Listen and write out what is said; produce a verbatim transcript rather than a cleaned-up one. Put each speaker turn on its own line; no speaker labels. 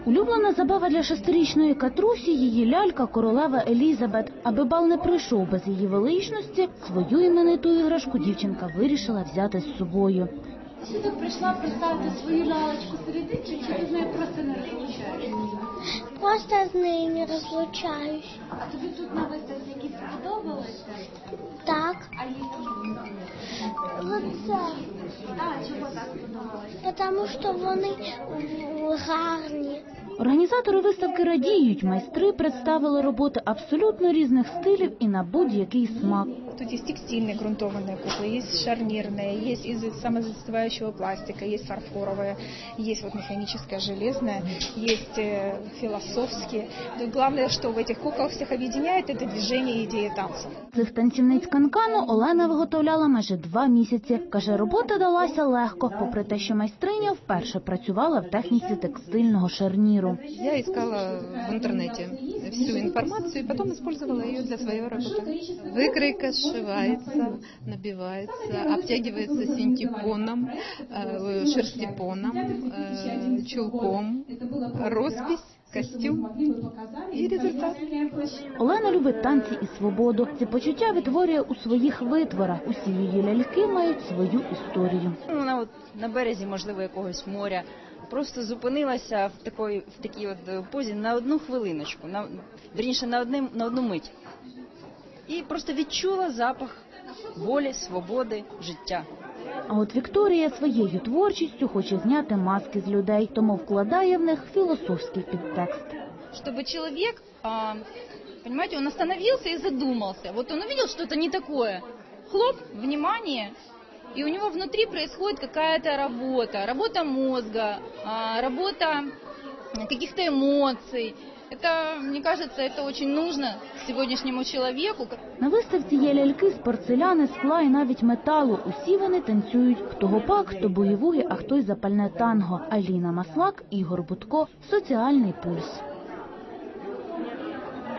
Улюблена забава для шестирічної Катрусі – її лялька королева Елізабет. Аби бал не пройшов без її величності, свою імениту іграшку дівчинка вирішила взяти з собою.
Сюди прийшла представити свою лялечку серединчик, чи ти з нею просто не розлучаєшся?
Просто з нею не розлучаюсь.
А тобі тут на виставці якісь сподобалися?
Так.
А які?
Оце.
А, чого так сподобалося?
Тому що вони гарні.
Організатори виставки радіють. Майстри представили роботи абсолютно різних стилів і на будь-який смак.
Тут есть текстильные грунтованные куклы, есть шарнирные, есть из самозастывающего пластика, есть фарфоровые, есть вот механическая, железная, есть э, философские. Но главное, что в этих куклах всех объединяет, это движение и идея танцев.
Цих танцівниць канкану Олена виготовляла майже два місяці. Каже, робота далася легко, попри те, що майстриня вперше працювала в техніці текстильного шарніру.
Я искала в интернете всю информацию и потом использовала ее для своей работы. Выкройка сшивается, набивается, обтягивается синтепоном, шерстепоном, чулком, роспись, костюм і результат.
Олена любить танці і свободу. Ці почуття витворює у своїх витворах. Усі її ляльки мають свою історію.
Вона от на березі, можливо, якогось моря, просто зупинилася в такій, в такій от позі на одну хвилиночку, на, вірніше, на, одне, на одну мить. І просто відчула запах волі, свободи, життя.
А от Вікторія своєю творчістю хоче зняти маски з людей, тому вкладає в них філософський підтекст.
Чтобы человек, а, понимаете, он остановился и задумался. Вот он увидел что-то не такое. Хлоп, внимание, и у него внутри происходит какая-то работа. Работа мозга, а, работа каких-то эмоций. Это, мне кажется, это очень нужно сегодняшнему человеку.
На виставці є ляльки з порцеляни, скла і навіть металу. Усі вони танцюють. Хто гопак, хто бугі-вугі, а хто й запальне танго. Аліна Маслак, Ігор Будко. Соціальний пульс.